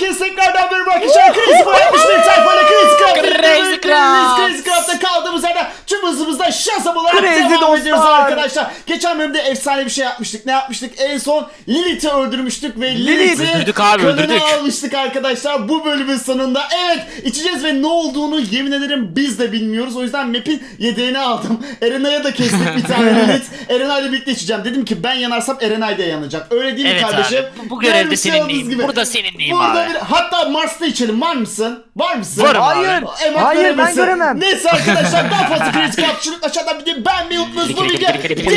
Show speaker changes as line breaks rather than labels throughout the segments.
Herkese tekrardan merhaba arkadaşlar. Crazy Boy yapmış bir sayfayla Crazy Craft'ta kaldığımız yerden tüm hızımızda şasam olarak devam ediyoruz arkadaşlar. Geçen bölümde efsane bir şey yapmıştık. Ne yapmıştık? En son Lilith'i öldürmüştük ve Lilith'i kanını almıştık arkadaşlar. Bu bölümün sonunda evet içeceğiz ve ne olduğunu yemin ederim biz de bilmiyoruz. O yüzden map'in yedeğini aldım. Erenay'a da kestik bir tane Lilith. Erenay'la birlikte içeceğim. Dedim ki ben yanarsam Erenay da yanacak. Öyle değil mi kardeşim?
Abi, bu görevde seninleyim. Burada seninleyim abi.
Hatta Mars'ta içelim. Var mısın? Var mısın?
Varım
Hayır.
abi.
Hayır ben göremem.
Neyse arkadaşlar daha fazla kriz kapçılık aşağıdan bir de beğenmeyi unutmayınız. Bu video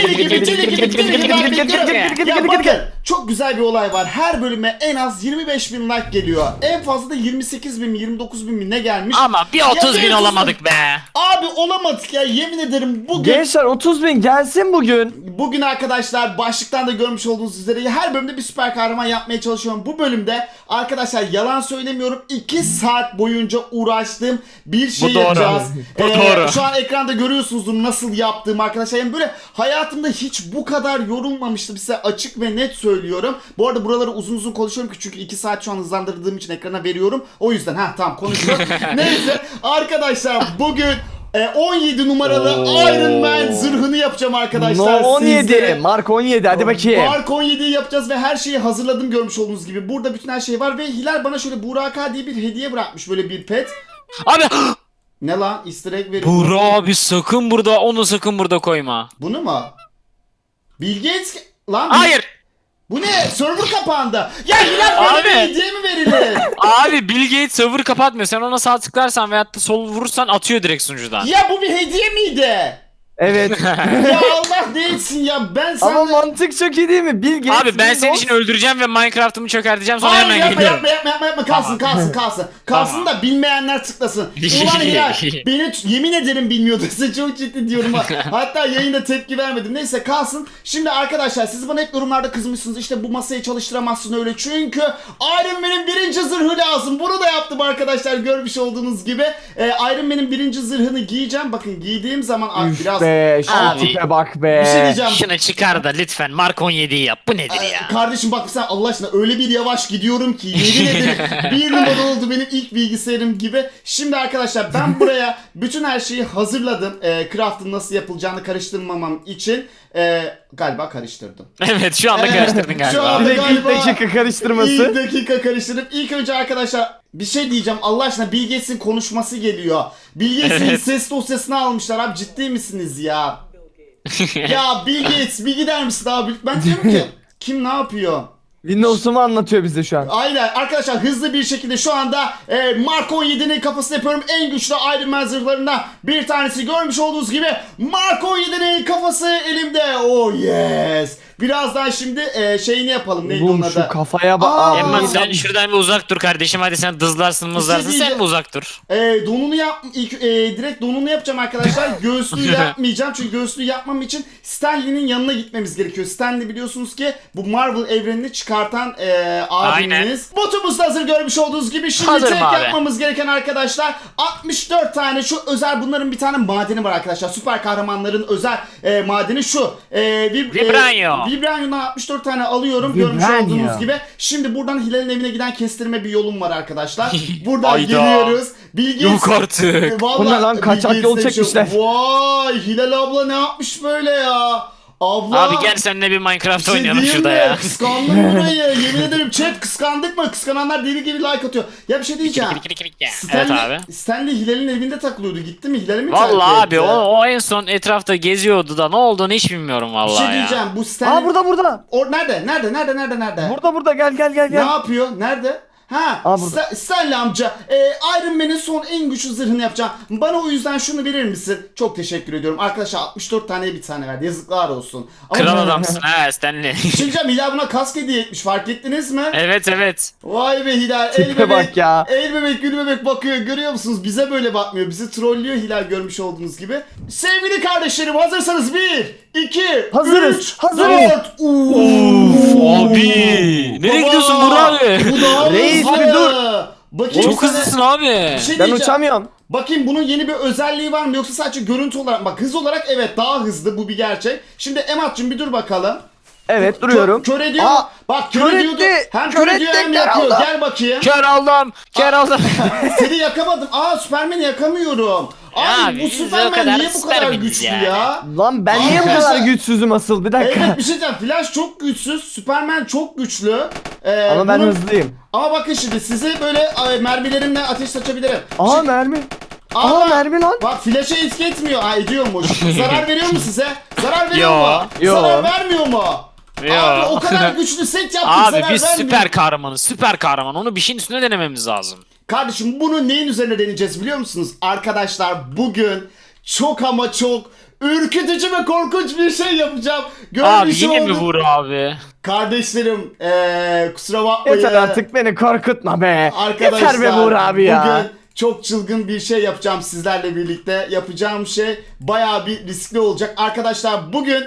deli gibi bakın çok güzel bir olay var. Her bölüme en az 25.000 like geliyor. En fazla da 28.000 mi 29.000 mi ne gelmiş?
Ama bir 30.000 olamadık be.
Abi olamadık ya yemin ederim bugün.
Gençler 30.000 gelsin bugün.
Bugün arkadaşlar başlıktan da görmüş olduğunuz üzere her bölümde bir süper kahraman yapmaya çalışıyorum. Bu bölümde arkadaşlar yalan söylemiyorum 2 saat boyunca uğraştığım bir şey yapacağız.
Bu doğru.
Şu an ekranda görüyorsunuzdur nasıl yaptığımı arkadaşlar. Yani böyle hayatımda hiç bu kadar yorulmamıştım size açık ve net söylüyorum. Bu arada buraları uzun uzun konuşuyorum ki çünkü 2 saat şu an hızlandırdığım için ekrana veriyorum. O yüzden tamam konuşuyorum. Neyse arkadaşlar bugün 17 numaralı Iron Man zırhını yapacağım arkadaşlar.
No 17.
Sizlere.
Mark 17 hadi bakayım.
Mark 17'yi yapacağız ve her şeyi hazırladım görmüş olduğunuz gibi. Burada bütün her şey var ve Hilal bana şöyle Buraka diye bir hediye bırakmış böyle bir pet.
Abi
Ne lan? Easter egg veriyor.
Buğra abi sakın burada koyma.
Bunu mu? Bill Gates lan.
Hayır.
Bu ne? Server kapandı. Ya Hilal böyle bir hediye mi verilir?
Abi Bill Gates server kapatmıyor. Sen ona sağ tıklarsan veyahut da sol vurursan atıyor direkt sunucudan.
Ya bu bir hediye miydi?
Evet.
Ya Allah değilsin ya ben sana...
Ama mantık çok iyi değil mi? Bill Gates.
Abi ben senin için öldüreceğim ve Minecraft'ımı çökerteceğim sonra
Hayır
hemen
yapma
geliyorum.
yapma kalsın kalsın. Kalsın da bilmeyenler tıklasın. Ulan Hilal beni yemin ederim bilmiyordu. Size çok ciddi diyorum ha. Hatta yayında tepki vermedim. Neyse kalsın. Şimdi arkadaşlar siz bana hep yorumlarda kızmışsınız. İşte bu masayı çalıştıramazsın öyle. Çünkü Iron Man'in 1. zırhı lazım. Bunu da yaptım arkadaşlar görmüş olduğunuz gibi. Iron Man'in 1. zırhını giyeceğim. Bakın giydiğim zaman biraz...
Be şu
Abi.
tipe bak be.
Bir şey diyeceğim.
Şunu çıkar da lütfen Mark 17'yi yap. Bu nedir ya?
Kardeşim bak sen Allah aşkına öyle bir yavaş gidiyorum ki yemin ederim bir numara oldu benim ilk bilgisayarım gibi. Şimdi arkadaşlar ben buraya bütün her şeyi hazırladım. Craft'ın nasıl yapılacağını karıştırmamam için. Galiba karıştırdım.
Evet şu anda karıştırdın
Şu
galiba.
anda
Direkt ilk
galiba
dakika karıştırması.
İlk dakika karıştırıp ilk önce arkadaşlar bir şey diyeceğim Allah aşkına Bill Gates'in konuşması geliyor. Bill Gates'in
Evet.
ses dosyasını almışlar abi ciddi misiniz ya? Ya Bill Gates bir gider misin abi? Ben diyorum ki kim ne yapıyor?
Windows'u mu anlatıyor bize şu an?
Aynen arkadaşlar hızlı bir şekilde şu anda Mark 17'nin kafasını yapıyorum. En güçlü Iron Man zırhlarından bir tanesi görmüş olduğunuz gibi Mark 17'nin kafası elimde. Oh yes. Birazdan şimdi şeyini yapalım. Neydi onun
Oğlum
adı?
şu kafaya bak.
Emma sen şuradan bir uzak dur kardeşim hadi sen dızlarsın mızlarsın
diyeceğim.
sen bir uzak dur.
Donunu direkt donunu yapacağım arkadaşlar. Göğüslüğü yapmayacağım çünkü göğüslüğü yapmam için Stanley'nin yanına gitmemiz gerekiyor. Stanley biliyorsunuz ki bu Marvel evrenini çıkartan abimiz. Botumuz da hazır görmüş olduğunuz gibi. Şimdi
Hazırım
tek
abi.
yapmamız gereken arkadaşlar 64 tane şu özel bunların bir tane madeni var arkadaşlar. Süper kahramanların özel madeni şu.
Vibranium.
Vibranium'dan 64 tane alıyorum görmüş
Vibranium.
olduğunuz gibi. Şimdi buradan Hilal'in evine giden kestirme bir yolum var arkadaşlar. Buradan
Hayda.
geliyoruz. Bill Gates,
Yok artık.
Vallahi
Bu ne lan?
Bill
Kaçak yol
Gates'le bir
çekmişler.
Vay Hilal abla ne yapmış böyle ya? Abla.
Abi gel seninle bir Minecraft
şey
oynayalım
diyeyim
şurada
mi?
ya.
Kıskandım burayı. Yemin ederim chat kıskandık mı? Kıskananlar deli gibi like atıyor. Ya bir şey diyeceğim.
Evet abi.
Stanley Hilal'in evinde takılıyordu. Gitti mi? Hilal'i mi
Vallahi
terk
abi
etti?
o en son etrafta geziyordu da ne olduğunu hiç bilmiyorum
Bir
vallahi
şey
ya.
diyeceğim. Bu Stanley...
Burada.
Nerede?
Burada gel
Ne yapıyor? Nerede?
Burada.
Stanley amca Iron Man'in son en güçlü zırhını yapacağım. Bana o yüzden şunu verir misin? Çok teşekkür ediyorum. Arkadaşlar 64 taneye bir tane verdi. Yazıklar olsun. Ama
Kral adamsın ha Stanley.
Şimdi Hilal buna kask hediye etmiş. Fark ettiniz mi?
Evet.
Vay be Hilal.
Tipe
El bebek,
bak ya.
El bebek gül bebek bakıyor. Görüyor musunuz? Bize böyle bakmıyor. Bizi trollüyor Hilal görmüş olduğunuz gibi. Sevgili kardeşlerim hazırsanız 1, 2,
Hazırız,
3,
hazırız.
4.
Abi. Nereye gidiyorsun Burak abi?
Bu daha
Reis,
hızlı.
bir dur.
Bakayım
Çok
sana-
hızlısın abi.
Bir şey
Ben
diyeceğim.
uçamıyorum.
Bakayım bunun yeni bir özelliği var mı yoksa sadece görüntü olarak bak hız olarak evet daha hızlı bu bir gerçek. Şimdi Emat'cığım bir dur bakalım.
Evet duruyorum.
Kör ediyor.
Aa,
Bak
kör
kör ediyordu.
etti.
Hem
Kör
kör ediyor
etti,
hem
kör
yakıyor.
oldu.
Gel bakayım.
Kör oldum. Kör oldum.
Seni yakamadım. Aa Süpermen'i yakamıyorum.
Ya
Ay bu
biz o
Süpermen
kadar
niye bu kadar
Süpermeniz
güçlü
yani.
ya?
Lan ben niye bu
Arkadaşlar-
kadar güçsüzüm asıl? Bir dakika.
Evet bir şey diyeceğim. Flash çok güçsüz. Süpermen çok güçlü.
Ama ben
bunun-
hızlıyım.
Ama bakın şimdi size böyle mermilerimle ateş saçabilirim.
Aa
Şimdi-
mermi.
Aa,
Aa mermi lan.
Bak flash'a etki etmiyor. Aa ediyormuş. Zarar veriyor mu size? Zarar veriyor
Yo.
mu?
Yo.
Zarar vermiyor mu?
Yo.
Abi o kadar güçlü set yaptık
Abi
zarar
biz
vermiyor.
süper kahramanız. Süper kahraman. Onu bir şeyin üstüne denememiz lazım.
Kardeşim bunu neyin üzerine deneyeceğiz biliyor musunuz? Arkadaşlar bugün çok ama çok ürkütücü ve korkunç bir şey yapacağım.
Abi
Görmüş
yine mi
olduk.
vur abi?
Kardeşlerim kusura bakmayın.
Yeter artık beni korkutma be.
Arkadaşlar
Yeter be Buğur abi ya.
bugün çok çılgın bir şey yapacağım sizlerle birlikte. Yapacağım şey bayağı bir riskli olacak. Arkadaşlar bugün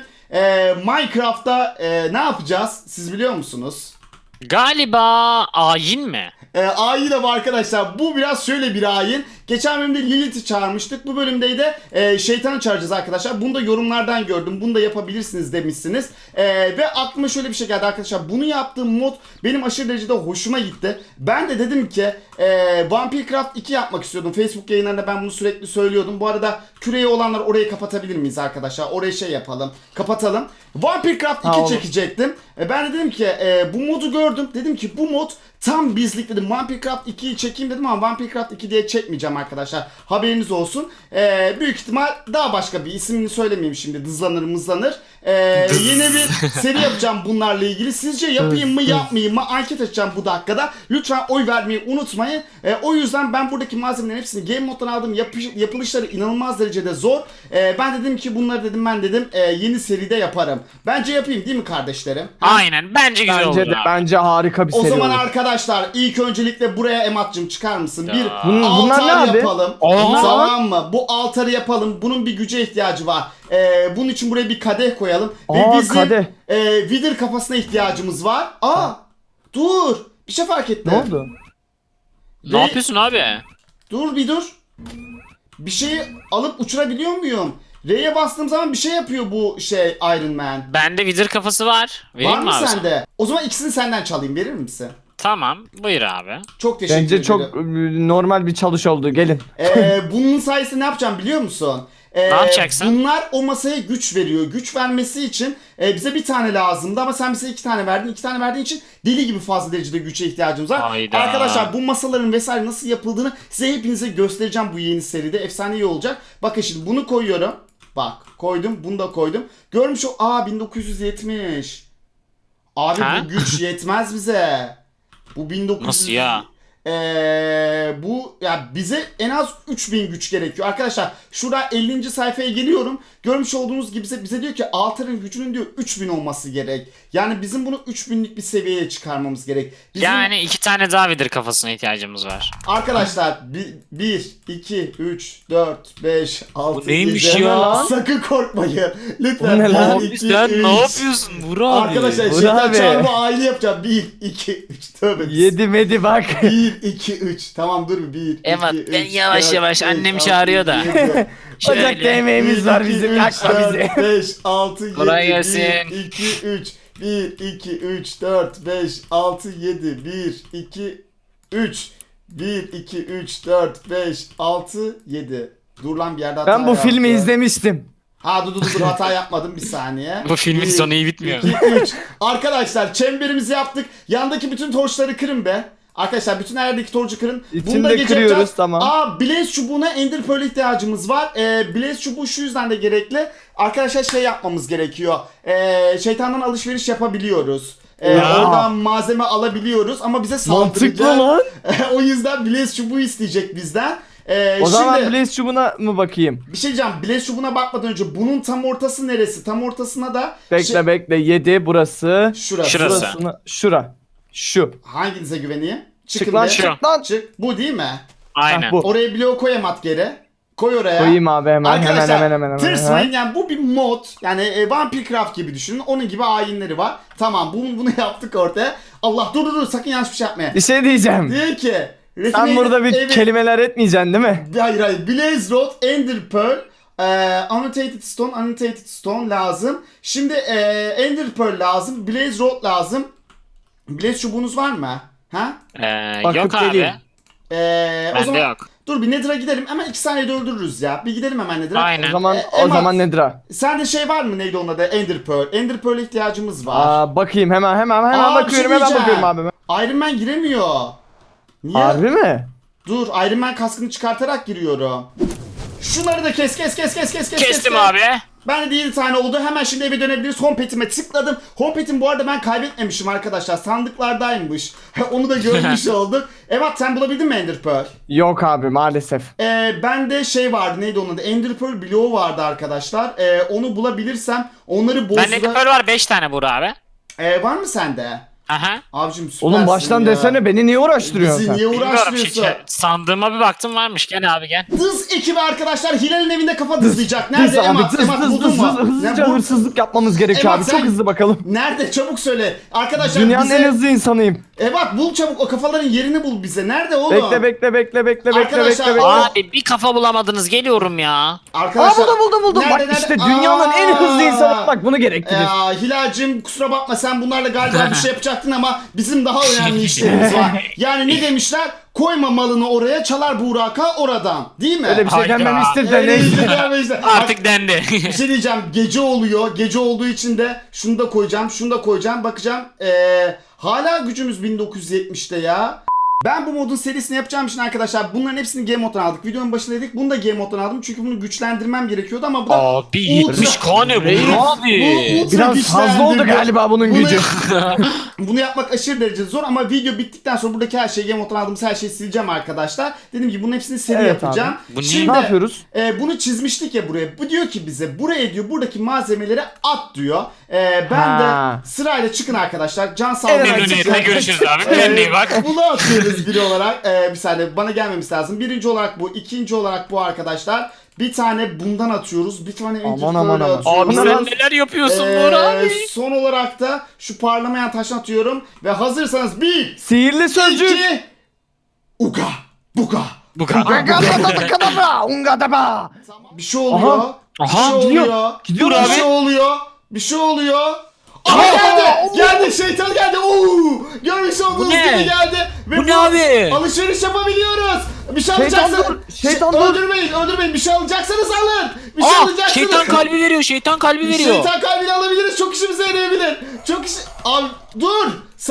Minecraft'ta ne yapacağız? Siz biliyor musunuz?
Galiba ayin mi?
Ayin ama arkadaşlar bu biraz şöyle bir ayin. Geçen bölümde Lilith'i çağırmıştık. Bu bölümde de şeytanı çağıracağız arkadaşlar. Bunu da yorumlardan gördüm. Bunu da yapabilirsiniz demişsiniz. Ve aklıma şöyle bir şey geldi arkadaşlar. Bunu yaptığım mod benim aşırı derecede hoşuma gitti. Ben de dedim ki Vampircraft 2 yapmak istiyordum. Facebook yayınlarında ben bunu sürekli söylüyordum. Bu arada küreği olanlar orayı kapatabilir miyiz arkadaşlar? Orayı şey yapalım. Kapatalım. Vampircraft 2
olur.
çekecektim. Ben de dedim ki bu modu gördüm. Dedim ki bu mod tam bizlik dedim. Vampircraft 2'yi çekeyim dedim ama Vampircraft 2 diye çekmeyeceğim arkadaşlar. Haberiniz olsun. Büyük ihtimal daha başka bir ismini söylemeyeyim şimdi. Dızlanır mızlanır. Yeni bir seri yapacağım bunlarla ilgili. Sizce yapayım mı yapmayayım mı? Anket açacağım bu dakikada. Lütfen oy vermeyi unutmayın. O yüzden ben buradaki malzemelerin hepsini Game Mode'dan aldım. Yapılışları inanılmaz derecede zor. Ben dedim ki bunları dedim yeni seride yaparım. Bence yapayım değil mi kardeşlerim?
Aynen. Bence güzel
Bence
oldu
de
abi.
bence harika bir
O
seri
zaman
olur.
arkadaşlar ilk öncelikle buraya Emat'cığım çıkar mısın? Bir
Bunlar ne
altar
abi?
yapalım.
Aa.
Tamam mı? Bu altarı yapalım. Bunun bir güce ihtiyacı var. Bunun için buraya bir kadeh koyalım. Ve
Aa,
bizim
kadeh.
Wither kafasına ihtiyacımız var. Aa dur. Bir şey fark ettim.
Ne oldu?
Ne yapıyorsun abi?
Dur bir dur. Bir şeyi alıp uçurabiliyor muyum? R'ye bastığım zaman bir şey yapıyor bu şey Iron Man.
Bende Wither kafası var. Vereyim
Var
mi
mı
abi sana?
sende? O zaman ikisini senden çalayım. Verir misin?
Tamam. Buyur abi.
Çok teşekkür
Bence
ederim.
çok normal bir çalış oldu. Gelin.
Bunun sayesinde ne yapacağım biliyor musun?
Ne yapacaksın?
Bunlar o masaya güç veriyor. Güç vermesi için bize bir tane lazımdı ama sen bize 2 tane verdin. 2 tane verdiğin için deli gibi fazla derecede güce ihtiyacımız var.
Hayda.
Arkadaşlar bu masaların vesaire nasıl yapıldığını size hepinize göstereceğim bu yeni seride. Efsane iyi olacak. Bakın şimdi bunu koyuyorum. Bak koydum, bunu da koydum. Görmüş o 1970. Abi
Ha?
bu güç yetmez bize. Bu 1900.
Nasıl ya?
Bu ya bize en az 3000 güç gerekiyor. Arkadaşlar şurada 50. sayfaya geliyorum. Görmüş olduğunuz gibi bize diyor ki altarın gücünün diyor 3000 olması gerek. Yani bizim bunu 3000'lik bir seviyeye çıkarmamız gerek. Bizim,
Yani 2 tane daha Wither kafasına ihtiyacımız var.
arkadaşlar 1, 2, 3, 4, 5, 6,
Bu neymiş
7.
ya?
Sakın korkmayın. Lütfen.
Bu ne lan?
1, 2,
Sen
3.
ne yapıyorsun Burak abi?
Arkadaşlar
Bu
şeytan
abi.
çarpı aile yapacağım. 1, 2, 3. Tövbe.
Yedi medi bak.
1, 2, 3. Tamam dur 1,
Emat,
2, 3.
ben yavaş yavaş, annem çağırıyor da.
Ocakta yemeğimiz var bizim. Yakma bizi.
5, 6, 7,
Kolay gelsin.
1, 2, 3. 1, 2, 3, 4, 5, 6, 7. 1, 2, 3. 1, 2, 3, 4, 5, 6, 7. Dur lan bir yerde hata
Ben bu filmi
yaptım.
izlemiştim.
Ha dur hata yapmadım bir saniye.
Bu filmin
1,
sonu iyi bitmiyor.
2, 3. Arkadaşlar çemberimizi yaptık. Yandaki bütün torçları kırın be. Arkadaşlar bütün her yerdeki torcu kırın.
İçinde
Bunu da gece
kırıyoruz,
yapacağız.
tamam.
Blaze çubuğuna Ender Pearl ihtiyacımız var. Blaze çubuğu şu yüzden de gerekli. Arkadaşlar şey yapmamız gerekiyor. Şeytandan alışveriş yapabiliyoruz. Oradan malzeme alabiliyoruz ama bize saldıracak.
Mantıklı lan.
O yüzden Blaze çubuğu isteyecek bizden.
O zaman
şimdi,
Blaze çubuğuna mı bakayım?
bir şey diyeceğim. Blaze çubuğuna bakmadan önce bunun tam ortası neresi? Tam ortasına da
Bekle 7 burası.
şurası.
Şurası.
Şura. Şu.
Hanginize güveneyim?
Çık
Çıkın
lan
be.
Şu.
çık lan.
Çık. Bu değil mi?
Aynen.
bu.
Oraya bloğu koyamat geri. Koy oraya.
Koyayım abi hemen
Arkadaşlar
hemen.
tırsmayın yani bu bir mod. Yani Vampircraft gibi düşünün. Onun gibi ayinleri var. Tamam bunu yaptık ortaya. Allah dur sakın yanlış bir şey yapmayın.
Bir şey diyeceğim.
Diyor ki
Sen burada bir kelimeler etmeyeceksin değil mi?
Hayır Blaze Rod, Ender Pearl, Annotated Stone lazım. Şimdi Ender Pearl lazım. Blaze Rod lazım. Blaze çubuğunuz var mı? Ha?
Bakıp
Yok abi.
geleyim.
O
Bende
zaman
yok.
dur bir Nether'a gidelim. Hemen 2 saniyede öldürürüz ya. Bir gidelim hemen Nether'a.
Aynen.
O zaman nedir ha?
Sende şey var mı, neydi onun adı? Ender Pearl. Ender Pearl'e ihtiyacımız var.
Bakayım hemen
Aa, bir şey
bakıyorum hemen
diyeceğim.
bakıyorum abi.
Iron Man giremiyor. Niye?
Harbi mi?
Dur, Iron Man kaskını çıkartarak giriyorum. Şunları da kes.
Kestim abi.
Ben de 7 tane oldu. Hemen şimdi eve dönebiliriz. Homepad'ime tıkladım. Homepad'im bu arada ben kaybetmemişim arkadaşlar. Sandıklardaymış. Onu da görmüş olduk. Evet, sen bulabildin mi Ender Pearl?
Yok abi maalesef.
Bende şey vardı, neydi onun adı? Ender Pearl bloğu vardı arkadaşlar. Onu bulabilirsem onları
Bende
bozdura...
Pearl var 5 tane Buğra abi.
Var mı sende?
Aha.
Abicim süpersin
Oğlum baştan
ya.
desene beni niye uğraştırıyorsun
Bizi
sen?
niye
Bilmiyorum.
uğraştırıyorsun?
Sandığıma bir baktım varmış. Gel abi gel.
Dız ekibi arkadaşlar Hilal'in evinde kafa dızlayacak. Nerede
Hız abi
Emat? Emat buldun mu?
hızlıca
Ne bu-
hırsızlık yapmamız gerekiyor
Emat,
abi. Çok
sen-
hızlı bakalım.
Nerede? Çabuk söyle. Arkadaşlar
Dünyanın
bize...
en hızlı insanıyım.
Emat bul çabuk, o kafaların yerini bul bize. Nerede oğlum?
Bekle.
Arkadaşlar,
Abi bir kafa bulamadınız. Geliyorum ya.
Arkadaşlar...
Buldum.
Nerede,
Bak işte
nerede?
dünyanın en hızlı
Aa!
insanı bak bunu gerektirir.
Hilal'cim kusura bakma, sen bunlarla galiba bir şey yapacaktın ama bizim daha önemli işlerimiz var. Yani ne demişler? Koyma malını oraya, çalar Burak'a oradan. Değil mi?
Öyle bir şey
Hayda.
demem istedi de
Öyle
neyse.
işte, öyle işte.
Artık dendi.
Bir şey diyeceğim, gece oluyor. Gece olduğu için de şunu da koyacağım, bakacağım. Hala gücümüz 1970'te ya. Ben bu modun serisini yapacağım için arkadaşlar bunların hepsini Game Mode'dan aldık. Videonun başında dedik, bunu da Game Mode'dan aldım çünkü bunu güçlendirmem gerekiyordu ama bu da
Abi 70 kane bu abi.
ultra
Biraz fazla oldu
güçlendirdi.
galiba bunun
Bunu-
gücü.
Bunu yapmak aşırı derece zor ama video bittikten sonra buradaki her şeyi, Game Mode'dan aldığımız her şeyi sileceğim arkadaşlar. Dediğim gibi bunun hepsini seri
Evet
yapacağım.
abi.
Bu niye?
Şimdi,
Ne yapıyoruz?
bunu çizmiştik ya buraya. Bu diyor ki bize buraya diyor buradaki malzemeleri at diyor. Ben
Ha.
de sırayla çıkın arkadaşlar. Can sağlığı.
Evet,
Memnuniyetle görüşürüz abi. Kendine iyi bak.
Bunu atıyoruz biri olarak. Bir saniye bana gelmemesi lazım. Birinci olarak bu. İkinci olarak bu arkadaşlar. Bir tane bundan atıyoruz. Bir tane Ender
Aman, aman,
Pearl'ü
aman.
atıyoruz.
Abi
Bunlar-
sen neler yapıyorsun Buğra abi?
Son olarak da şu parlamayan taşını atıyorum. Ve hazırsanız 1,
Sihirli sözcük.
2, uga, buga.
Bu kadar.
Kadabra, ungadaba.
Bir şey oluyor.
Aha,
bir şey
gidiyor.
oluyor.
Gidiyor
bir
abi.
şey oluyor. Bir şey oluyor. Aha geldi. Geldi, şeytan geldi. Oo! Görmüş olduğunuz
ne?
gibi geldi. Ve
Bu ne abi?
Alışveriş yapabiliyoruz. Bir şey
Şeytan
alacaksanız.
dur, şeytan dur.
Öldürmeyin. Bir şey alacaksanız alın. Bir şey
Aa,
alacaksınız.
şeytan kalbi veriyor. Şeytan kalbi veriyor.
Şeytan kalbini alabiliriz. Çok işimize yarayabilir. Çok iş... Abi dur.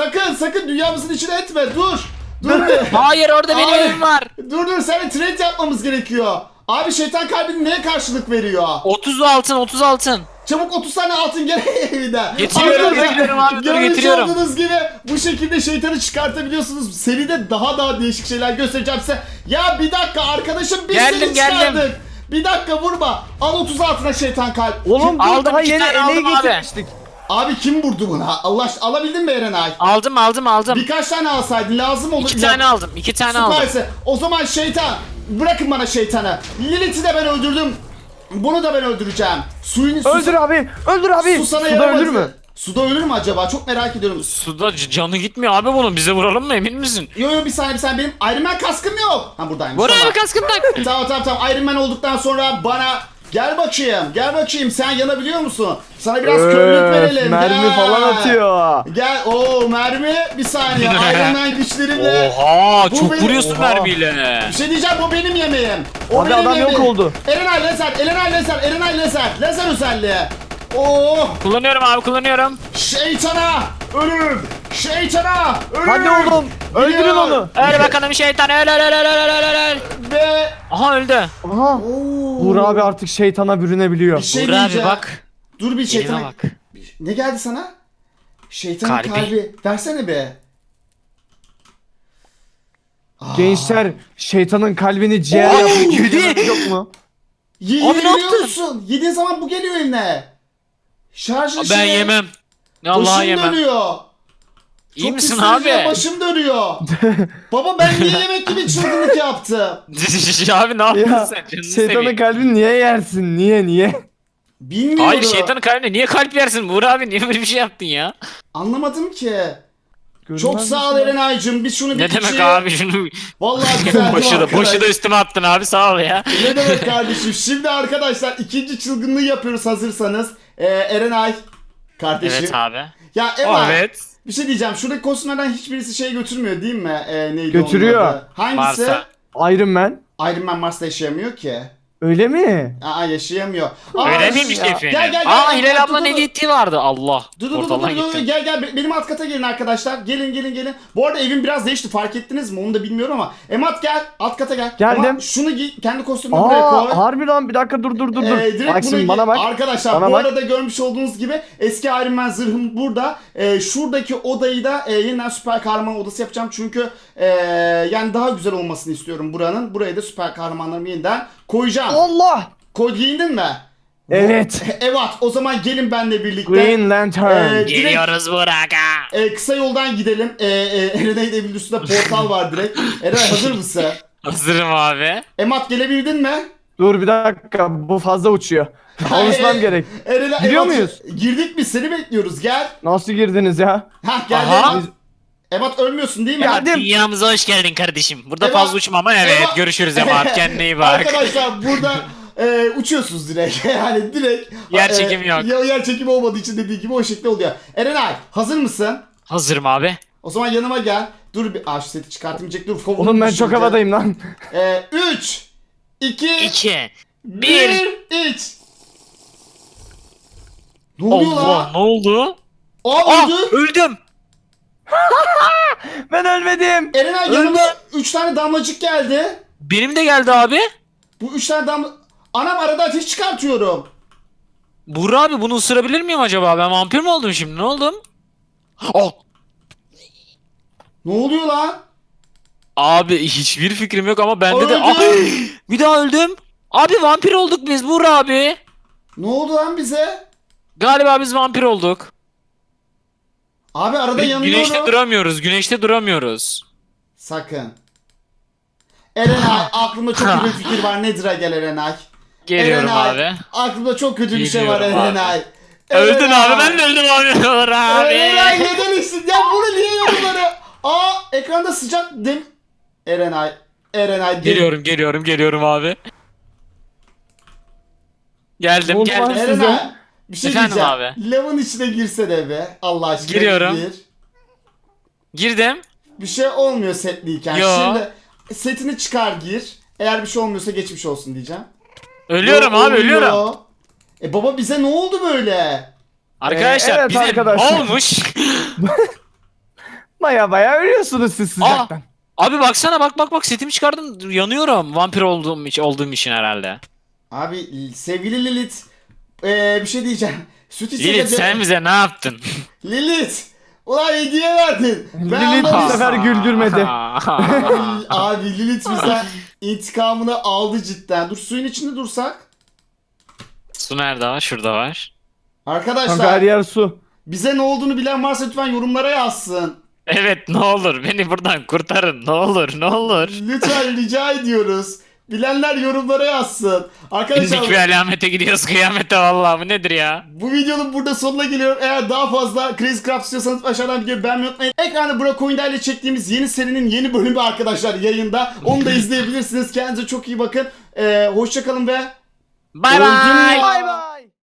Sakın dünyamızın içine etme. Dur. Dur bir.
Hayır orada benim
Abi.
evim var.
Dur. Seninle trade yapmamız gerekiyor. Abi şeytan kalbini neye karşılık veriyor?
30 altın.
Çabuk 30 tane altın gel evinden.
Getiriyorum,
Arkadaşlar,
getiriyorum abi, dur,
görmüş
getiriyorum.
olduğunuz gibi bu şekilde şeytanı çıkartabiliyorsunuz. Seride daha değişik şeyler göstereceğim size. Ya bir dakika arkadaşım, biz
Geldim,
seni
geldim.
çıkardık. Bir dakika vurma. Al 30 altına şeytan kalp.
Oğlum dur
Aldım,
daha
iki
yeni
tane
eleği
aldım abi.
getirmiştik.
Abi kim vurdu buna? Alabildin mi Erenay?
Aldım.
Birkaç tane alsaydın lazım olur.
2 tane aldım. 2 tane aldım.
Süperse. O zaman şeytan. Bırakın bana şeytanı. Lilith'i de ben öldürdüm. Bunu da ben öldüreceğim.
Öldür abi.
Su sana
Suda
yaramaz.
ölür mü?
Suda ölür mü acaba? Çok merak ediyorum.
Suda canı gitmiyor abi bunun. Bize vuralım mı emin misin?
Yo bir saniye benim Iron Man kaskım yok. Ha buradaymış.
Buğra
tamam.
abi kaskını tak.
Tamam. Iron Man olduktan sonra bana gel bakayım. Sen yanabiliyor musun? Sana biraz körlük verelim.
Mermi
Gel.
falan atıyor.
Gel. Mermi. Bir saniye. Iron Man güçlerimle.
Oha
Bu
çok
benim-
vuruyorsun
Oha.
mermiyle.
Bir şey diyeceğim, bu benim yemeğim. O
Abi
benim
adam yok
yemeğim.
oldu.
Erenay lazer. Lazer özelliği. Oh!
Kullanıyorum abi kullanıyorum.
Şeytana! Ölüm!
Hadi oğlum. Öldürün
Gidiyor.
onu.
Öl bakalım şeytan öl.
Ve...
Aha öldü.
Aha.
Oo.
Uğur abi artık şeytana bürünebiliyor.
Bir şey
Buğra abi
diyeceğim.
bak.
Dur bir
Elime
şeytana...
bak.
Ne geldi sana? Şeytanın
Kalbi.
kalbi. Versene be.
Gençler şeytanın kalbini ciğer
Oy,
yapıyor.
yedi.
Yok mu?
Abi ne
Yiyebiliyor
yaptın?
musun? Yediğin zaman bu geliyor eline. Şarjı
Ben yemem. Allah'a
Başım
yemem.
dönüyor.
İyi
Çok
misin
hissediyorum,
abi?
başım dönüyor. Baba ben niye yemek gibi çılgınlık yaptım?
Abi ne yaptın
Ya
sen? Canını
şeytanın
seveyim.
kalbini niye yersin? Niye?
Bilmiyorum.
Hayır şeytanın kalbine niye kalp yersin Buğra abi? Niye böyle bir şey yaptın ya?
Anlamadım ki. Çok sağ ol Erenay'cım. Biz şunu bir
Ne demek
kişiye-
abi şunu.
Vallahi güzel.
Başı da üstüme attın abi, sağ ol ya.
Ne demek kardeşim? Şimdi arkadaşlar ikinci çılgınlığı yapıyoruz hazırsanız. Erenay kardeşim.
Evet abi.
Ya Emma,
Evet.
bir şey diyeceğim. Şuradaki kostümlerden hiçbirisi şey götürmüyor değil mi? Neydi
Götürüyor.
onun adı? Hangisi?
Mars'a.
Iron Man.
Iron Man Mars'ta yaşayamıyor ki.
Öyle mi?
Aa, yaşayamıyor.
Öyle
ş-
miymiş efendim?
Gel.
Aa,
Dur,
Hilal
dur,
ablanın
dur.
hediye ettiği vardı. Allah.
Dur
Portaldan gittim.
gel benim alt kata gelin arkadaşlar. Gelin. Bu arada evim biraz değişti, fark ettiniz mi onu da bilmiyorum ama. Emat gel, alt kata gel.
Geldim.
Emat, şunu giy, kendi kostümünü buraya koy.
Harbi lan, bir dakika dur.
Direkt
Bak
bunu
şimdi bana bak.
Arkadaşlar
Bana
bu
bak.
arada görmüş olduğunuz gibi eski Iron Man zırhım burada. Şuradaki odayı da yeniden süper kahraman odası yapacağım. Çünkü yani daha güzel olmasını istiyorum buranın. Buraya da süper kahramanlarımı yeniden koyacağım.
Allah!
Giyindin mi?
Evet.
Evet, o zaman gelin benimle birlikte.
Green Lantern.
Direkt-
Geliyoruz Burak'a.
Kısa yoldan gidelim. Erenay'ın evinin üstünde portal var direkt. Erenay hazır mısın?
Hazırım abi.
Emat gelebildin mi?
Dur bir dakika, bu fazla uçuyor. Alışmam gerek.
Erenay,
Giriyor
Emat,
muyuz?
Girdik biz, seni bekliyoruz, gel.
Nasıl girdiniz ya?
Hah geldi
Aha.
Emat. Emat ölmüyorsun değil mi?
Geldim.
Dünyamıza hoş geldin kardeşim. Burada
Eyvah.
fazla uçma ama evet.
Eyvah.
Görüşürüz Emat. Kendine iyi bak.
Arkadaşlar burada uçuyorsunuz direkt. Yani direkt.
Yer çekimi yok.
Yer çekimi olmadığı için dediği gibi o şekilde oluyor. Erenay hazır mısın?
Hazırım abi.
O zaman yanıma gel. Dur bir şu seti çıkartmayacak. Dur.
Oğlum ben çok havadayım lan.
3 2
2
1
1
3. Ne oluyor
Allah,
lan?
ne oldu?
Aa öldü.
Öldüm.
Ben ölmedim.
Erenay yanıma 3 tane damlacık geldi.
Benim de geldi abi.
Bu 3 tane damla... Anam, arada ateş çıkartıyorum.
Burak abi, bunu ısırabilir miyim acaba? Ben vampir mi oldum şimdi? Ne oldum? Oh.
Ne oluyor lan?
Abi hiçbir fikrim yok ama bende de...
Öldüm.
Ah, bir daha öldüm. Abi vampir olduk biz Burak abi.
Ne oldu lan bize?
Galiba biz vampir olduk.
Abi arada yanıyorum.
Güneşte duramıyoruz.
Sakın. Erenay, aklımda çok kötü bir fikir var. Nedir'a gel Erenay.
Geliyorum
Erenay,
abi.
aklımda çok kötü bir şey var
Geliyorum abi.
Erenay.
Öldün
Erenay.
abi, ben de öldüm abi. Burak
Erenay
abi.
neden içtin? Ya bunu niye yorumları? Aa, ekranda sıcak dem... Erenay.
Geliyorum abi. Geldim.
Olmaz.
Geldim.
Erenay. Bir şey
Efendim
diyeceğim.
abi.
Lavın içine girsene be. Allah aşkına.
Giriyorum.
Gir.
Girdim.
Bir şey olmuyor setliyken.
Yo.
Şimdi setini çıkar gir. Eğer bir şey olmuyorsa geçmiş olsun diyeceğim.
Ölüyorum
Yo,
abi,
oluyor.
ölüyorum.
Baba bize ne oldu böyle?
Arkadaşlar
Evet
bize
arkadaşlar.
ne olmuş?
Baya ölüyorsunuz siz sıcaktan.
Abi baksana, bak setimi çıkardım, yanıyorum. Vampir olduğum için herhalde.
Abi sevgili Lilith. Bir şey diyeceğim. Süt içecek.
Lilith, sen bize ne yaptın?
Lilith. Ulan hediye verdin.
Lilith bu
anlamışım.
sefer güldürmedi.
Abi Lilith bize intikamını aldı cidden. Dur, suyun içinde dursak.
Su nerede var? Şurada var.
Kanka her
Arkadaşlar
yer su.
bize ne olduğunu bilen varsa lütfen yorumlara yazsın.
Evet, ne olur beni buradan kurtarın. Ne olur.
Lütfen rica ediyoruz. Bilenler yorumlara yazsın. Arkadaşlar
Bindik bir alamete gidiyoruz kıyamete, vallahi bu nedir ya?
bu videonun burada sonuna geliyorum. Eğer daha fazla Crazy Craft istiyorsanız aşağıdan videoyu beğenmeyi unutmayın. Ekranda Burak Oyunda ile çektiğimiz yeni serinin yeni bölümü arkadaşlar yayında. Onu da izleyebilirsiniz. Kendinize çok iyi bakın. Hoşçakalın ve
Bay
öldüm
bay.
ya.
Bay bay.